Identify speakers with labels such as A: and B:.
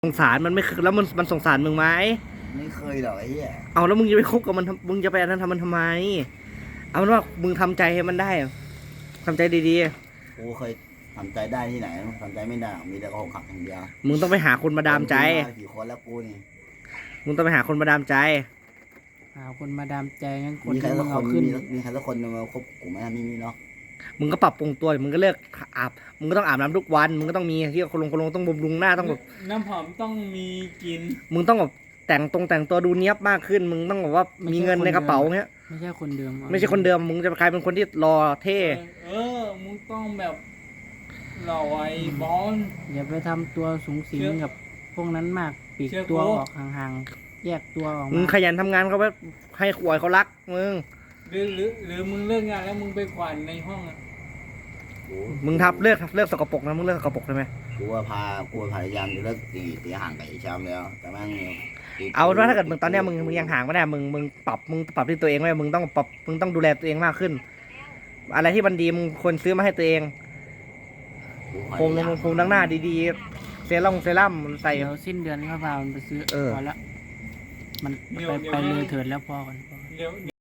A: สงสารมันไม่คือแล้วมันสงสารมึงไหม
B: ไม่เคยหรอกไอ้เหี้ย
A: เอาแล้วมึงจะไปคบกับมันมึงจะไปอันนั้นทำมันทำไมเอาเป็นว่ามึงทำใจให้มันได้ทำใจดี
B: กูเคยทำใจได้ที่ไหนทำใจไม่ได้มีแต่อกหักอย่างเดียว
A: ๆมึงต้องไปหาคนมาดามใจ
B: กี่คนแล้วกูนี่
A: มึงต้องไปหาคนมาดามใจ
C: หาคนมาดามใจงั้นคน
B: มีใคร
C: ที่มึ
B: สัก
C: ง
B: ค
C: เอา
B: น
C: ขึ้น
B: มีใครสักคนมาคบกูไหมไม่มีเนาะ
A: มึงก็ปรับปรุงตัวมึงก็เลิกอาบมึงก็ต้องอาบน้ำทุกวันมึงก็ต้องมีที่คนลงต้องบำรุงหน้าต้องแบบ
D: น้ำหอมต้องมีกิน
A: มึงต้องแบบแต่งตัวดูเนี้ยบมากขึ้นมึงต้องแบบว่ามีเงินในกระเป๋าเงี้ย
C: ไม่ใช่คนเดิม
A: ไม่ใช่คนเดิมมึงจะกลายเป็นคนที่รอเท่
D: มึงต้องแบบหล่อไอ้บอล
C: อย่าไปทำตัวสูงสิงกับพวกนั้นมากปีกตัวออกห่างๆแยกตัวออก
A: มึงขยันทำงานเขาไว้ให้ขวยเขารักมึง
D: หรือมึงเลิกงานแล้วมึงไปขวัญในห้องอ่ะ
A: มึงเลิกสกปรกนะมึงเลิกสกปรกได้ไหม
B: กูพยายามจะเลิกตีห่างกับไอ้แชมป์แล้วแต่แม่ง
A: เอาว่าถ้าเกิดมึงตอนเนี้ยมึงยังห่างไม่ได้มึงปรับที่ตัวเองไว้มึงต้องดูแลตัวเองมากขึ้น อะไรที่มันดีมึงควรซื้อมาให้ตัวเองโคมดังหน้าดีๆเซรั่มใส่
C: เดี๋ยวสิ้นเดือนก็พามันไปซื้อพอแล้วมันไปเลยเถิดแล้วพอกัน
D: เดี๋ยว